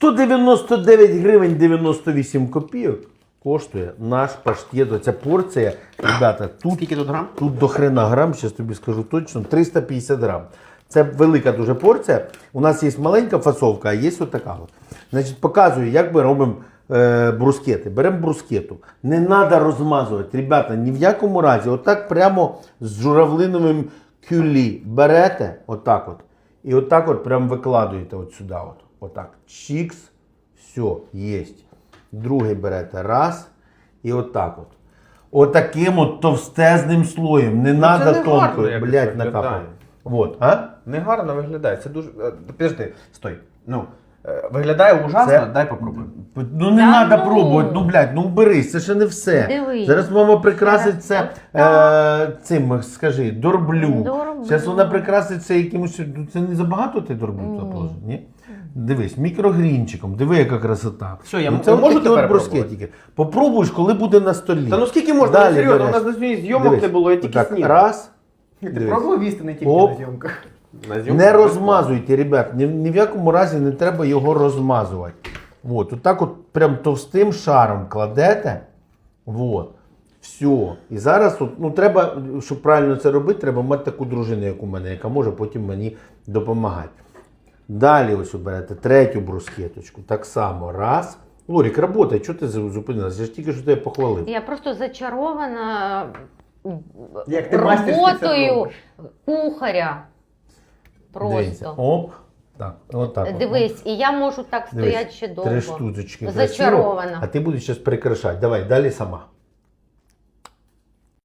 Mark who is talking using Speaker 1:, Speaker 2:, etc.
Speaker 1: 199 гривень 98 копійок коштує наш паштет. Оця порція, ребята, тут,
Speaker 2: Скільки тут грам?
Speaker 1: тут до хрена грам, зараз тобі скажу точно, 350 грам. Це велика дуже порція. У нас є маленька фасовка, а є отака. Значить, показую, як ми робимо брускети. Беремо брускету. Не треба розмазувати. Ребята, ні в якому разі. Отак прямо з журавлиновим кюлі берете, отак от. І отак от прямо викладуєте от сюди. Отак. Чікс. Все, є. Другий берете. Раз. І отак от. Отаким от товстезним слоєм. Не треба
Speaker 2: не
Speaker 1: тонко,
Speaker 2: гарно якось
Speaker 1: блядь,
Speaker 2: виглядає.
Speaker 1: накапати. Вот, а?
Speaker 2: Негарно виглядає. Це дуже. Підожди, стой. Ну, виглядає ужасно,
Speaker 1: Це-
Speaker 2: дай попробуй.
Speaker 1: Ну не
Speaker 3: Та
Speaker 1: треба
Speaker 3: ну.
Speaker 1: пробувати, ну блядь, ну берись, це ще не все.
Speaker 3: Дивись.
Speaker 1: Зараз мама прикрасить це
Speaker 3: Так.
Speaker 1: цим, скажи, дорблю.
Speaker 3: Дорблю.
Speaker 1: Зараз вона прикрасить це якимось, ну, це не забагато ти дорблю
Speaker 3: Ні.
Speaker 1: заложив, ні? Дивись, мікрогрінчиком, диви, яка красота.
Speaker 2: Все, я
Speaker 1: це
Speaker 2: можу
Speaker 1: такі
Speaker 2: тепер
Speaker 1: от брускетики. Попробуєш, коли буде на столі.
Speaker 2: Та ну скільки можна?
Speaker 1: Далі
Speaker 2: Ну, серйозно, у
Speaker 1: береш.
Speaker 2: нас на сьогодні зйомок
Speaker 1: Дивись,
Speaker 2: не було, я тільки
Speaker 1: отак,
Speaker 2: снів.
Speaker 1: раз.
Speaker 2: Ти
Speaker 1: Дивись.
Speaker 2: пробував їсти не тільки
Speaker 1: Оп.
Speaker 2: на зйомках? На
Speaker 1: Не
Speaker 2: зйомках
Speaker 1: розмазуйте, ребят, ні в якому разі не треба його розмазувати. Вот, отак от прям товстим шаром кладете. Вот. Все. І зараз, от, ну треба, щоб правильно це робити, треба мати таку дружину, як у мене, яка може потім мені допомагати. Далі ось оберете третю брускеточку. Так само. Раз. Лорік, работай, чого ти зупинилася? Я ж тільки що тебе похвалив.
Speaker 3: Я просто зачарована
Speaker 2: Як ти мастерськи це
Speaker 3: роботою
Speaker 2: робиш.
Speaker 3: кухаря.
Speaker 1: Дивіться.
Speaker 3: Просто.
Speaker 1: Оп. Так, отак. от.
Speaker 3: Дивись, і я можу так
Speaker 1: Дивись,
Speaker 3: стояти ще довго.
Speaker 1: 3 штучки.
Speaker 3: Зачарована.
Speaker 1: Красиво. А ти будеш зараз прикрашати. Давай, далі сама.